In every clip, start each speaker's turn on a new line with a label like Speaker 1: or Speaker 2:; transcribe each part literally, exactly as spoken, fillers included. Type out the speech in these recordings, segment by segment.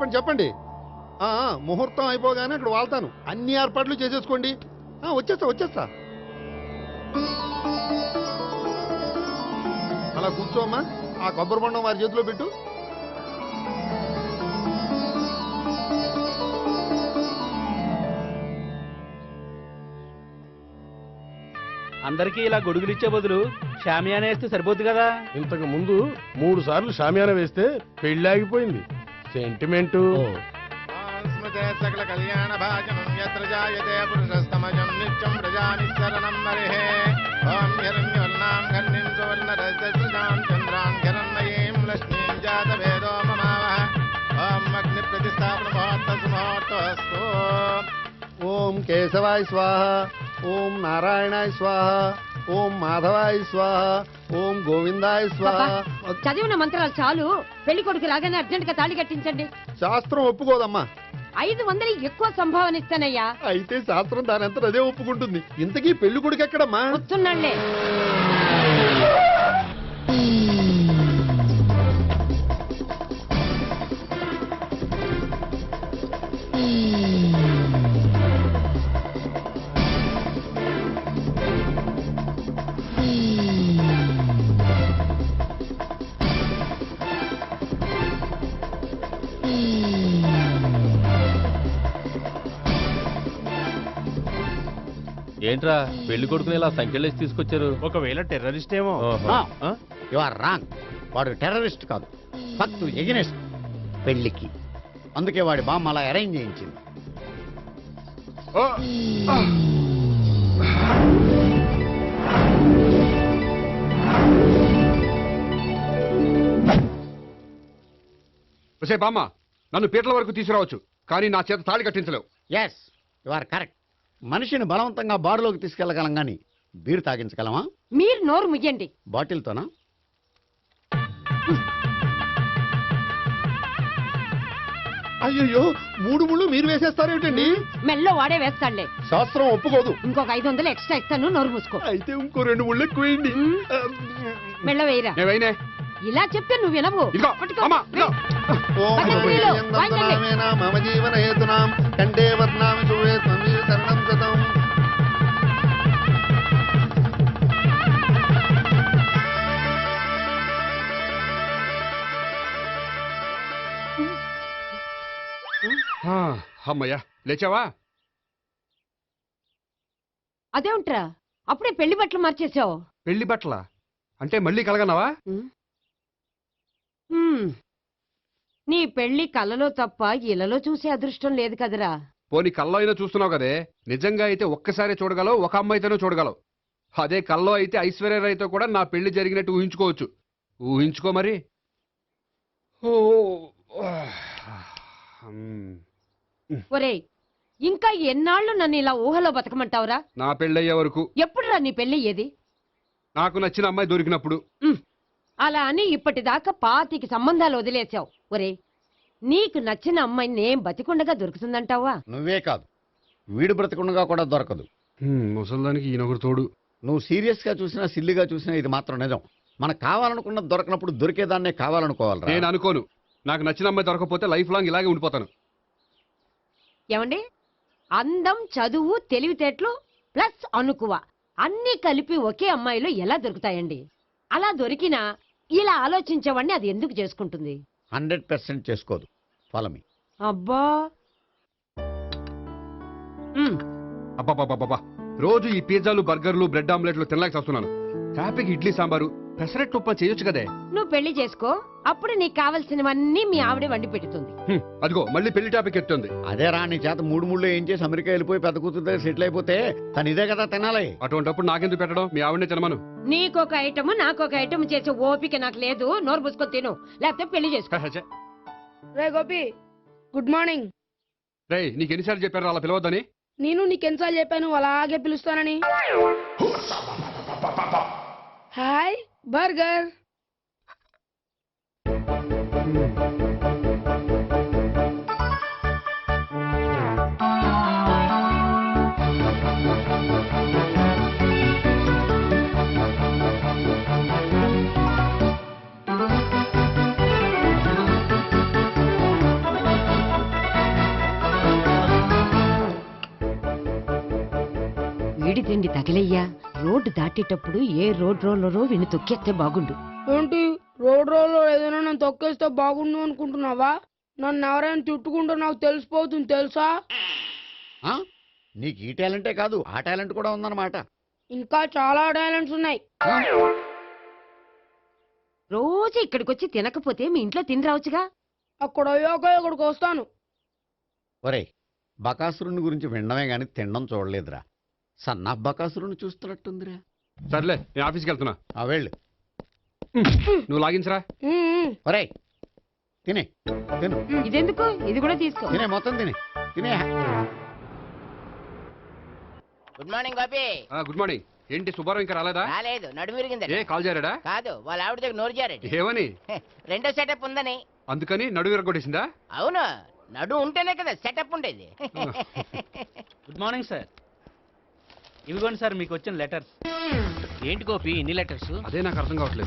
Speaker 1: చెప్పండి చెప్పండి ముహూర్తం అయిపోగానే అక్కడ వాళ్తాను. అన్ని ఏర్పాట్లు చేసేసుకోండి. వచ్చేస్తా వచ్చేస్తా అలా కూర్చోమ్మా. ఆ కొబ్బరి బొండం వారి చేతిలో పెట్టు.
Speaker 2: అందరికీ ఇలా గొడుగులు ఇచ్చే బదులు షామియానా వేస్తే సరిపోద్ది కదా.
Speaker 3: ఇంతకు ముందు మూడు సార్లు షామియానా వేస్తే పెళ్లి ఆగిపోయింది. సెంటిమెంటు
Speaker 4: సకల కళ్యాణ భాజనం యత్ర జాయతే పురుషస్తమజం నిత్యం ప్రజానిశరణం మరిహే. ఓం హిరణ్యవర్ణాం ఘర్ణిం సువర్ణరజసృజాం చంద్రాం హిరణ్మయీం లక్ష్మీం జాతవేదో మమావహ. ఓం అగ్ని ప్రతిష్టాపన ముహూర్తస్తు ముహూర్తస్తు.
Speaker 1: ఓం కేశవాయ స్వాహ. ఓం నారాయణాయ స్వాహ. ఓం మాధవాయ స్వాహ. ఓం గోవిందాయ స్వాహ.
Speaker 5: చదివిన మంత్రాలు చాలు. పెళ్లి కొడుకు రాగానే అర్జెంట్ గా తాళి కట్టించండి.
Speaker 1: శాస్త్రం ఒప్పుకోదమ్మా.
Speaker 5: ఐదు వందలు ఎక్కువ సంభావన ఇస్తానయ్యా.
Speaker 1: అయితే శాస్త్రం దానంతా అదే ఒప్పుకుంటుంది. ఇంతకీ పెళ్లి కొడుకు ఎక్కడమ్మా?
Speaker 5: వస్తున్నాళ్లే.
Speaker 2: ఏంట్రా పెళ్లి కొడుకుని ఇలా సంఖ్యలేసి తీసుకొచ్చారు?
Speaker 3: ఒకవేళ టెర్రరిస్ట్ ఏమో.
Speaker 6: You are wrong. వాడు టెర్రరిస్ట్ కాదు, భక్తు ఎగనెస్ట్ పెళ్లికి. అందుకే వాడి బామ్మ అలా అరేంజ్ చేయించింది.
Speaker 7: బామ్మ నన్ను పీటల వరకు తీసుకురావచ్చు, కానీ నా చేత తాళి కట్టించలేవు.
Speaker 6: Yes you are correct. మనిషిని బలవంతంగా బారులోకి తీసుకెళ్లగలం గాని బీరు తాగించగలమా?
Speaker 5: మీరు నోరు ముయ్యండి.
Speaker 6: బాటిల్తోనా?
Speaker 1: అయ్యో మూడు ముళ్ళు మీరు వేసేస్తారేమిటండి?
Speaker 5: మెల్లో వాడే వేస్తాడులే.
Speaker 1: శాస్త్రం ఒప్పుకోదు.
Speaker 5: ఇంకొక ఐదు వందలు ఎక్స్ట్రా ఇస్తాను. నోరు మూసుకో.
Speaker 1: అయితే ఇంకో రెండు ముళ్ళు ఎక్కువేయండి.
Speaker 5: మెల్ల వేయరా. ఇలా చెప్తే నువ్వు వినవు.
Speaker 1: మమ జీవన హేతునాం కండే వర్ణామి శుభే త్వమీకరణం కృతం.
Speaker 7: అమ్మయ్యా లేచావా?
Speaker 5: అదేంట్రా అప్పుడే పెళ్లి బట్టలు మార్చేసావు?
Speaker 7: పెళ్లి బట్టల అంటే మళ్ళీ కలగన్నావా?
Speaker 5: నీ పెళ్లి కలలో తప్ప ఇలలో చూసే అదృష్టం లేదు కదరా.
Speaker 7: పోనీ కల్లో అయినా చూస్తున్నావు కదే. నిజంగా అయితే ఒక్కసారి చూడగలవు, ఒక అమ్మాయితోనే చూడగలవు. అదే కల్లో అయితే ఐశ్వర్యరాయ్తో కూడా నా పెళ్లి జరిగినట్టు ఊహించుకోవచ్చు. ఊహించుకో మరి.
Speaker 5: ఒరేయ్ ఇంకా ఎన్నాళ్ళు నన్ను ఇలా ఊహలో బతకమంటావురా?
Speaker 7: నా పెళ్ళయ్యే వరకు.
Speaker 5: ఎప్పుడురా నీ పెళ్లి ఏది?
Speaker 7: నాకు నచ్చిన అమ్మాయి దొరికినప్పుడు.
Speaker 5: అలా అని ఇప్పటిదాకా పాతికి సంబంధాలు వదిలేసావు. ఒరే నీకు నచ్చిన అమ్మాయి నేం బతికుండగా దొరుకుతుందంటావా?
Speaker 6: నువ్వే కాదు, వీడు బ్రతికుండగా కూడా దొరకదు.
Speaker 7: ముసల్దానికి ఈయనొకరు తోడు.
Speaker 6: నువ్వు సీరియస్ గా చూసినా సిల్లిగా చూసినా ఇది మాత్రం నిజం. మనకు కావాలనుకున్నది దొరకనప్పుడు దొరికేదాన్నే కావాలనుకోవాలి.
Speaker 7: నేను అనుకోను. నాకు నచ్చిన అమ్మాయి దొరకపోతే లైఫ్ లాంగ్ ఇలాగే ఉండిపోతాను.
Speaker 5: ఏమండి, అందం, చదువు, తెలివితేటలు ప్లస్ అనుకువ అన్ని కలిపి ఒకే అమ్మాయిలో ఎలా దొరుకుతాయండి? అలా దొరికినా ఇలా ఆలోచించేవాడిని అది ఎందుకు చేసుకుంటుంది?
Speaker 6: హండ్రెడ్ పర్సెంట్ చేసుకోదు. Follow me.
Speaker 5: అబ్బా
Speaker 7: అబ్బాబాబాబా రోజు ఈ పిజ్జాలు, బర్గర్లు, బ్రెడ్ ఆమ్లెట్లు తినలేక వస్తున్నాను. హ్యాపీకి ఇడ్లీ సాంబారు, పెసరెట్ ఉప్మా చేయొచ్చు కదే.
Speaker 5: నువ్వు పెళ్లి చేసుకో, అప్పుడు నీకు కావలసినవన్నీ మీ ఆవిడే వండి పెడుతుంది.
Speaker 7: అదిగో మళ్ళీ పెళ్లి టాపిక్ ఎత్తుంది.
Speaker 6: అదే రా, నీ చేత మూడు మూడు ఏం చేసి అమెరికా వెళ్ళిపోయి పెద్ద కూతురు దగ్గర సెటిల్ అయిపోతే తను ఇదే కదా తినాలి.
Speaker 7: అటువంటిప్పుడు నాకెందుకు పెట్టడం? మీ ఆవిడనే తినమను.
Speaker 5: నీకొక ఐటమ్ నాకొక ఐటమ్ చేసే ఓపిక నాకు లేదు. నోరు పుసుకొని తిను, లేకపోతే పెళ్లి చేసుకో.
Speaker 8: రే గోపి, గుడ్ మార్నింగ్.
Speaker 7: రే నీకు ఎన్నిసార్లు చెప్పారు అలా పిలవద్దని?
Speaker 8: నేను నీకెన్నిసార్లు చెప్పాను అలాగే పిలుస్తానని. Hi burger.
Speaker 5: వేడి తిండి తగిలయ్యా. రోడ్డు దాటేటప్పుడు ఏ రోడ్ రోలరో విని తొక్కేస్తే బాగుండు.
Speaker 8: ఏంటి రోడ్ రోడ్ ఏదైనా నన్ను తొక్కేస్తే బాగుండు అనుకుంటున్నావా? నన్ను ఎవరైనా తిట్టుకుంటే నాకు తెలిసిపోతుంది తెలుసా?
Speaker 6: ఆ? నీకు ఈ టాలెంటే కాదు ఆ టాలెంట్ కూడా ఉందన్నమాట.
Speaker 8: ఇంకా చాలా టాలెంట్స్ ఉన్నాయి.
Speaker 6: ఆ?
Speaker 5: రోజు ఇక్కడికొచ్చి తినకపోతే మీ ఇంట్లో తిని రావచ్చుగా.
Speaker 8: అక్కడ అయ్యాక ఇక్కడికి వస్తాను.
Speaker 6: ఒరేయ్, బకాసురుని గురించి వినడమే గాని తినడం చూడలేదురా. సన్నా బకాసురుని చూస్తున్నట్టుందిరా.
Speaker 7: సర్లే నేను ఆఫీస్కి వెళ్తున్నా.
Speaker 6: ఆ వెళ్ళు.
Speaker 7: నువ్వు లాగించరా.
Speaker 8: ఉమ్, ఉమ్.
Speaker 6: ఒరేయ్ తినే తిను
Speaker 5: ఇదెందుకు? ఇది కూడా తీసుకో.
Speaker 6: తినే మొత్తం తినే తినే.
Speaker 9: Good morning Gopi.
Speaker 7: Good morning. ఏంటి సుబ్బారావు ఇంకా రాలేదా?
Speaker 9: రాలేదు, నడుము విరిగింది.
Speaker 7: ఏ కాల్ చేరాడా?
Speaker 9: కాదు, వాళ్ళ ఆవిడ దగ్గర నోరు జారెడ్డి.
Speaker 7: ఏమని?
Speaker 9: రెండో సెటప్ ఉందని.
Speaker 7: అందుకని నడువు విరగొట్టేసిందా?
Speaker 9: అవును, నడు ఉంటేనే కదా సెటప్ ఉండేది.
Speaker 2: Good morning sir. ఇవిగోండి సార్ మీకు వచ్చిన లెటర్స్. ఏంటి గోపి ఇన్ని లెటర్స్?
Speaker 7: అదే నాకు అర్థం కావట్లేదు.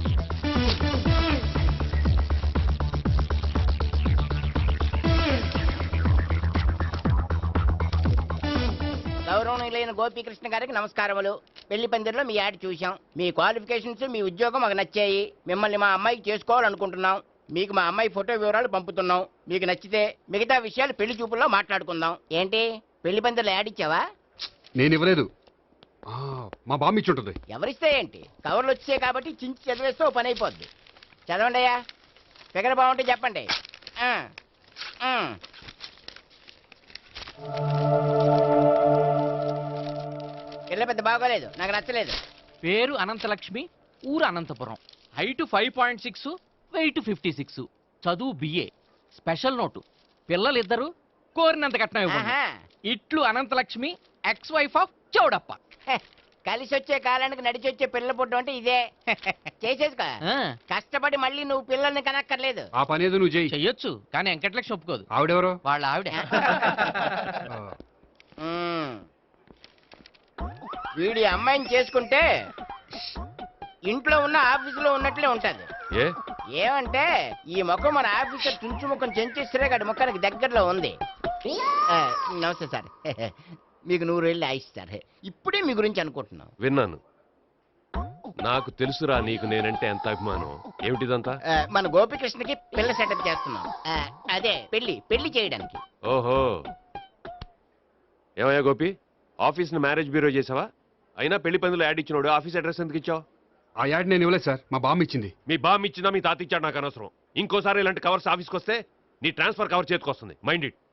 Speaker 9: గౌరవనీయులైన గోపీకృష్ణ గారికి నమస్కారములు. పెళ్లి పందిరిలో మీ యాడ్ చూశాం. మీ క్వాలిఫికేషన్స్, మీ ఉద్యోగం మాకు నచ్చాయి. మిమ్మల్ని మా అమ్మాయికి చేసుకోవాలనుకుంటున్నాం. మీకు మా అమ్మాయి ఫోటో వివరాలు పంపుతున్నాం. మీకు నచ్చితే మిగతా విషయాలు పెళ్లి చూపుల్లో మాట్లాడుకుందాం. ఏంటి పెళ్లి పందిరిలో యాడ్ ఇచ్చావా?
Speaker 7: నేను ఇవ్వలేదు. ఆ, మా బామ్మ ఇచ్చి ఉంటుంది.
Speaker 9: ఎవరిస్తే ఏంటి, కవర్లు వచ్చాయి కాబట్టి చించి చదివేస్తే ఓ పని అయిపోద్ది. చదవండి అయ్యా, ఫిగర్ బాగుంటే చెప్పండి. ఆ, ఆ. పిల్ల పెద్ద బాగోలేదు, నాకు నచ్చలేదు.
Speaker 2: పేరు అనంతలక్ష్మి, ఊరు Anantapuram, height five point six, weight fifty six, చదువు బిఏ, స్పెషల్ నోటు, పిల్లలిద్దరు, కోరినంత కట్నం ఇవ్వండి.
Speaker 9: ఆహా.
Speaker 2: ఇట్లు Anantalakshmi, ex wife of Chowdappa.
Speaker 9: హె, కలిసి వచ్చే కాలానికి నడిచి వచ్చే పిల్ల పుట్టం అంటే ఇదే. చేసేసుకో,
Speaker 2: ఆ,
Speaker 9: కష్టపడి మళ్ళీ నువ్వు పిల్లల్ని కనక్కర్లేదు.
Speaker 7: ఆ పని ఏదో నువ్వు చేయి.
Speaker 2: చెయ్యొచ్చు, కానీ వెంకటలక్ష్మి ఒప్పుకోదు.
Speaker 7: ఆవిడెవరో?
Speaker 2: వాళ్ళ ఆవిడ.
Speaker 7: ఆ,
Speaker 9: ఉమ్. వీడి అమ్మాయిని చేసుకుంటే ఇంట్లో ఉన్న ఆఫీసులో ఉన్నట్లే ఉంటది.
Speaker 7: ఏ
Speaker 9: ఏమంటే ఈ ముఖం మన ఆఫీసర్ చుంచు ముఖం చెంచేశ్వరే గడి ముఖానికి దగ్గరలో ఉంది. ఆ, నమస్తే సార్. మీకు నూరు వెళ్ళి ఆయిస్ సార్. ఇప్పుడే మీ గురించి అనుకుంటున్నాం.
Speaker 10: విన్నాను. నాకు తెలుసురా నీకు నేనంటే ఎంత అభిమానం. ఏమిటిదంతా?
Speaker 9: ఆ, మన గోపికృష్ణకి పిల్ల సెటప్ చేస్తున్నాం. ఆ, అదే పెళ్లి పెళ్లి చేయడానికి.
Speaker 10: ఓహో, ఏమయ్యా గోపి, ఆఫీస్ ని మ్యారేజ్ బ్యూరో చేసావా? అయినా పెళ్లి పందులో యాడ్ ఇచ్చినోడు ఆఫీస్ అడ్రస్ ఎందుకు ఇచ్చావు?
Speaker 7: ఆ యాడ్ నేను ఇవ్వలేదు సార్, మా బామ్మ ఇచ్చింది.
Speaker 10: మీ బామ్ ఇచ్చినా మీ తాత ఇచ్చాడు నాకు అనవసరం. ఇంకోసారి ఇలాంటి కవర్స్ ఆఫీస్కి వస్తే నీ ట్రాన్స్ఫర్ కవర్ చేతికొస్తుంది. Mind it.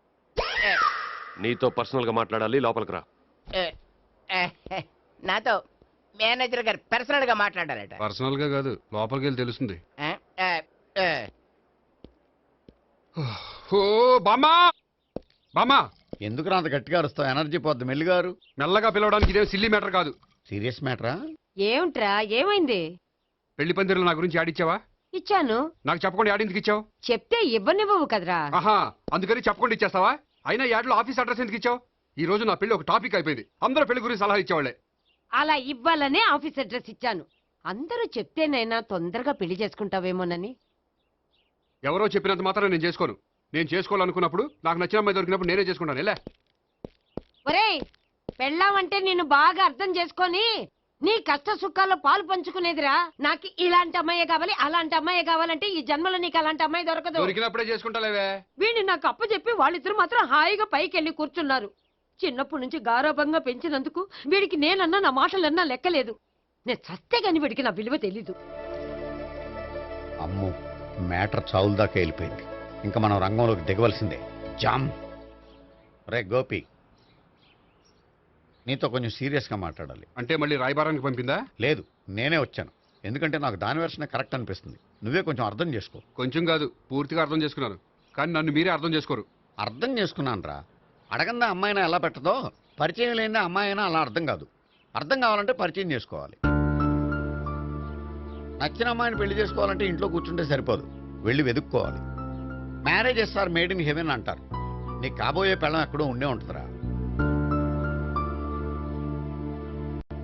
Speaker 10: నీతో పర్సనల్ గా మాట్లాడాలి, లోపలికి రా.
Speaker 9: ఆ, ఆ, నాతో మేనేజర్ గారు పర్సనల్ గా మాట్లాడారట.
Speaker 7: పర్సనల్ గా కాదు, లోపలికి వెళ్ళి తెలుస్తుంది.
Speaker 9: ఆ, ఆ, ఆ.
Speaker 7: ఓ బామ్మా, బామ్మా,
Speaker 6: ఎందుకు అంత గట్టిగా అరుస్తావు? ఎనర్జీ పోద్ది. మెల్లిగారు.
Speaker 7: మెల్లగా పిలవడానికి ఇదే సిల్లీ మ్యాటర్ కాదు.
Speaker 6: సీరియస్ మ్యాటరా?
Speaker 5: ఏమిట్రా, ఏమైంది?
Speaker 7: పెళ్లి పందిరిలో నా గురించి యాడ్ ఇచ్చావా?
Speaker 5: ఇచ్చాను.
Speaker 7: నాకు చెప్పకుండా యాడ్ ఎందుకు ఇచ్చావు?
Speaker 5: చెప్తే ఇవ్వనివ్వవు కదరా.
Speaker 7: ఆహా, అందుకని చెప్పకుండా ఇచ్చేస్తావా? అయినా యాడ్లో ఆఫీస్ అడ్రస్ ఎందుకు ఇచ్చావు? ఈ రోజు నా పెళ్లి ఒక టాపిక్ అయిపోయింది. అందరూ పెళ్లి గురించి సలహా ఇచ్చేవాళ్లే.
Speaker 5: అలా ఇవ్వాలనే ఆఫీస్ అడ్రస్ ఇచ్చాను. అందరూ చెప్తేనైనా తొందరగా పెళ్లి చేసుకుంటావేమోనని.
Speaker 7: ఎవరో చెప్పినంత మాత్రం నేను చేసుకోను. నేను చేసుకోవాలనుకున్నప్పుడు, నాకు నచ్చిన అమ్మాయి దొరికినప్పుడు నేనే చేసుకుంటాను. ఎలా?
Speaker 5: ఒరేయ్, పెళ్ళామంటే నిన్ను బాగా అర్థం చేసుకొని నీ కష్ట సుఖాల్లో పాలు పంచుకునేదిరా. నాకు ఇలాంటి అమ్మాయి కావాలి, అలాంటి అమ్మాయి కావాలంటే ఈ జన్మలో నీకు అలాంటి అమ్మాయి దొరకదు.
Speaker 7: దొరికినప్పుడే చేసుకుంటాలేవే.
Speaker 5: వీడిని నాకు అప్ప చెప్పి వాళ్ళిద్దరు మాత్రం హాయిగా పైకి వెళ్ళి కూర్చున్నారు. చిన్నప్పటి నుంచి గారాభంగా పెంచినందుకు వీడికి నేనన్నా నా మాటలన్నా లెక్కలేదు. నేను చస్తే గాని వీడికి నా విలువ తెలీదు.
Speaker 6: అమ్మో, మ్యాటర్ చావుల దాకా వెళ్ళిపోయింది. ఇంకా మనం రంగంలోకి దిగవలసిందే. జామ్. రే గోపి, నీతో కొంచెం సీరియస్గా మాట్లాడాలి.
Speaker 7: అంటే మళ్ళీ రాయబారానికి పంపిందా?
Speaker 6: లేదు, నేనే వచ్చాను. ఎందుకంటే నాకు దాని వెర్షనే కరెక్ట్ అనిపిస్తుంది. నువ్వే కొంచెం అర్థం చేసుకో.
Speaker 7: కొంచెం కాదు, పూర్తిగా అర్థం చేసుకున్నాను. కానీ నన్ను మీరే అర్థం చేసుకోరు.
Speaker 6: అర్థం చేసుకున్నాను రా. అడగందా అమ్మాయినా ఎలా పెట్టదో, పరిచయం లేని అమ్మాయి అయినా అలా అర్థం కాదు. అర్థం కావాలంటే పరిచయం చేసుకోవాలి. నచ్చిన అమ్మాయిని పెళ్లి చేసుకోవాలంటే ఇంట్లో కూర్చుంటే సరిపోదు, వెళ్ళి వెతుక్కోవాలి. Marriages are made in heaven అంటారు. నీకు కాబోయే పెళ్ళం ఎక్కడో ఉండే ఉంటుందిరా.